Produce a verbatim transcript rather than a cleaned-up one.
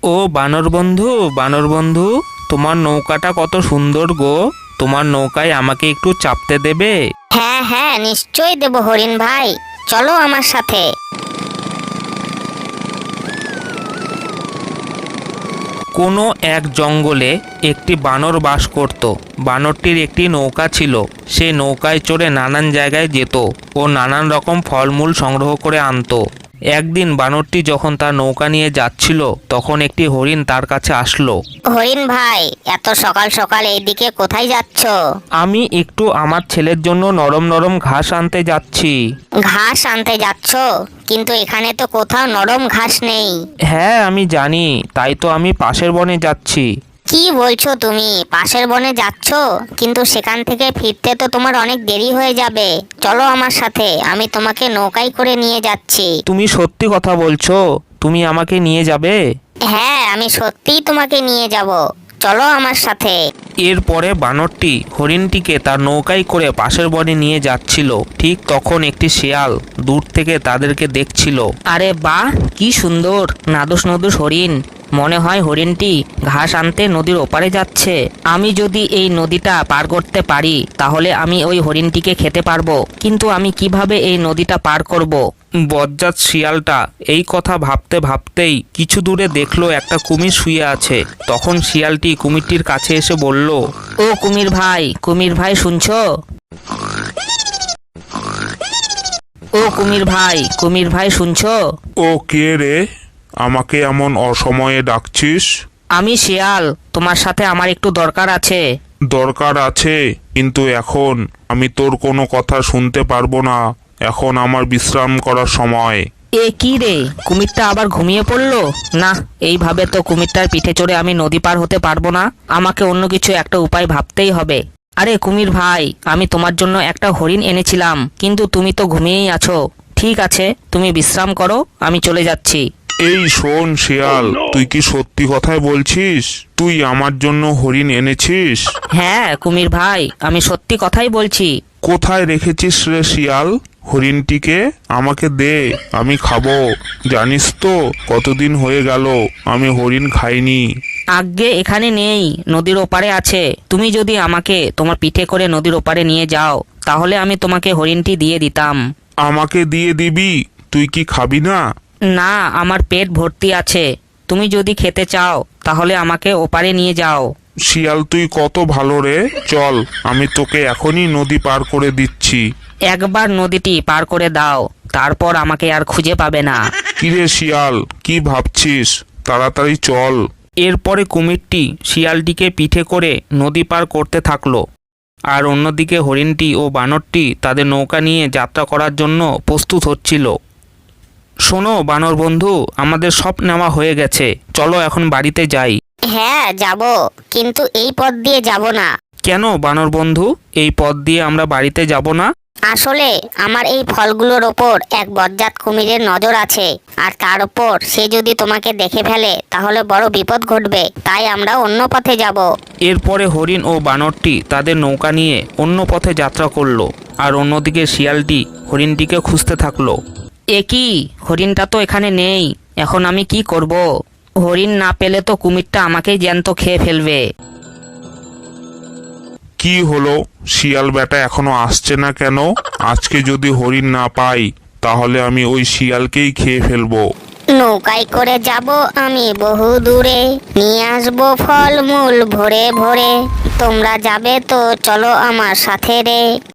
ও বানর বন্ধু, বানর বন্ধু, তোমার নৌকাটা কত সুন্দর গো। তোমার নৌকায় আমাকে একটু চাপতে দেবে? হ্যাঁ হ্যাঁ, নিশ্চয়ই দেব হরিণ ভাই, চলো আমার সাথে। কোনো এক জঙ্গলে একটি বানর বাস করত। বানরটির একটি নৌকা ছিল। সে নৌকায় চড়ে নানান জায়গায় যেত ও নানান রকম ফলমূল সংগ্রহ করে আনতো। একদিন বানরটি যখন তার নৌকা নিয়ে যাচ্ছিল, তখন একটি হরিণ তার কাছে আসলো। হরিণ ভাই, এত সকাল সকাল এইদিকে কোথায় যাচ্ছ? আমি একটু আমার ছেলের জন্য নরম নরম ঘাস আনতে যাচ্ছি। ঘাস আনতে যাচ্ছ? কিন্তু এখানে তো কোথাও নরম ঘাস নেই। হ্যাঁ আমি জানি, তাই তো আমি পাশের বনে যাচ্ছি। কি বলছো তুমি? পাশের বনে যাচ্ছ? কিন্তু সেখান থেকে ফিরতে তো তোমার অনেক দেরি হয়ে যাবে। চলো আমার সাথে, আমি তোমাকে নৌকায় করে নিয়ে যাচ্ছি। তুমি সত্যি কথা বলছো? তুমি আমাকে নিয়ে যাবে? হ্যাঁ, আমি সত্যিই তোমাকে নিয়ে যাব, চলো আমার সাথে। এরপরে বানরটি হরিণটিকে তার নৌকায় করে পাশের বনে নিয়ে যাচ্ছিল। ঠিক তখন একটি শেয়াল দূর থেকে তাদেরকে দেখছিল। আরে বাহ, কি সুন্দর নাদুস নদুস হরিণ। মনে হয় হরিণটি ঘাস আনতে নদীর ওপারে যাচ্ছে। আমি যদি এই নদীটা পার করতে পারি তাহলে আমি ওই হরিণটিকে খেতে পারবো। কিন্তু আমি কিভাবে এই নদীটা পার করব? বজ্জাত শিয়ালটা এই কথা ভাবতে ভাবতেই কিছু দূরে দেখলো একটা কুমির শুয়ে আছে। তখন শিয়ালটি কুমিরটির কাছে এসে বলল, ও কুমির ভাই, কুমির ভাই শুনছো? ও কুমির ভাই, কুমির ভাই শুনছো? ও কে রে? আমাকে এমন অসময়ে ডাকছিস? আমি শিয়াল, তোমার সাথে আমার একটু দরকার আছে। দরকার আছে, কিন্তু এখন আমি তোর কোনো কথা শুনতে পারবো না। এখন আমার বিশ্রাম করার সময়। এ কি রে, কুমিরটা আবার ঘুমিয়ে পড়লো? না, এইভাবে তো কুমিরটার পিঠে চড়ে আমি নদী পার হতে পারবো না। আমাকে অন্য কিছু একটা উপায় ভাবতেই হবে। আরে কুমির ভাই, আমি তোমার জন্য একটা হরিণ এনেছিলাম, কিন্তু তুমি তো ঘুমিয়েই আছো। ঠিক আছে, তুমি বিশ্রাম করো, আমি চলে যাচ্ছি। এই শোন শিয়াল, তুই কি সত্যি কথাই বলছিস? তুই আমার জন্য হরিণ এনেছিস? হ্যাঁ কুমির ভাই, আমি সত্যি কথাই বলছি। কোথায় রেখেছিস রে শিয়াল হরিণটিকে? আমাকে দে, আমি খাবো। জানিস তো কতদিন হয়ে গেল আমি হরিণ খাইনি। আজ্ঞে এখানে নেই, নদীর ওপারে আছে। তুমি যদি আমাকে তোমার পিঠে করে নদীর ওপারে নিয়ে যাও তাহলে আমি তোমাকে হরিণটি দিয়ে দিতাম। আমাকে দিয়ে দিবি? তুই কি খাবি না? না, আমার পেট ভর্তি আছে। তুমি যদি খেতে চাও তাহলে আমাকে ওপারে নিয়ে যাও। শিয়াল তুই কত ভালো রে। চল, আমি তোকে এখনই নদী পার করে দিচ্ছি। একবার নদীটি পার করে দাও, তারপর আমাকে আর খুঁজে পাবে না। কিরে শিয়াল, কি ভাবছিস? তাড়াতাড়ি চল। এরপরে কুমিরটি শিয়ালটিকে পিঠে করে নদী পার করতে থাকলো। আর অন্যদিকে হরিণটি ও বানরটি তাদের নৌকা নিয়ে যাত্রা করার জন্য প্রস্তুত হচ্ছিল। শোনো বানর বন্ধু, আমাদের সব নেওয়া হয়ে গেছে, চলো এখন বাড়িতে যাই। হ্যাঁ যাব, কিন্তু এই পথ দিয়ে যাব না। কেন বানর বন্ধু, এই পথ দিয়ে আমরা বাড়িতে যাব না? আসলে আমার এই ফলগুলোর ওপর এক বজ্জাত কুমিরের নজর আছে, আর তার ওপর সে যদি তোমাকে দেখে ফেলে তাহলে বড় বিপদ ঘটবে। তাই আমরা অন্য পথে যাব। এরপরে হরিণ ও বানরটি তাদের নৌকা নিয়ে অন্য পথে যাত্রা করলো। আর অন্যদিকে শিয়ালটি হরিণটিকে খুঁজতে থাকলো। এ কি, হরিণটা তো এখানে নেই। এখন আমি কি করব? হরিণ না পেলে তো কুমিরটা আমাকেই জ্যান্ত খেয়ে ফেলবে। কি হলো, শিয়াল বেটা এখনো আসছে না কেন? আজকে যদি হরিণ না পাই তাহলে আমি ওই শিয়ালকেই খেয়ে ফেলবো। নৌকায় করে যাব আমি বহু দূরে, নিয়ে আসবো ফল মূল ভরে ভরে। তোমরা যাবে তো চলো আমার সাথে রে।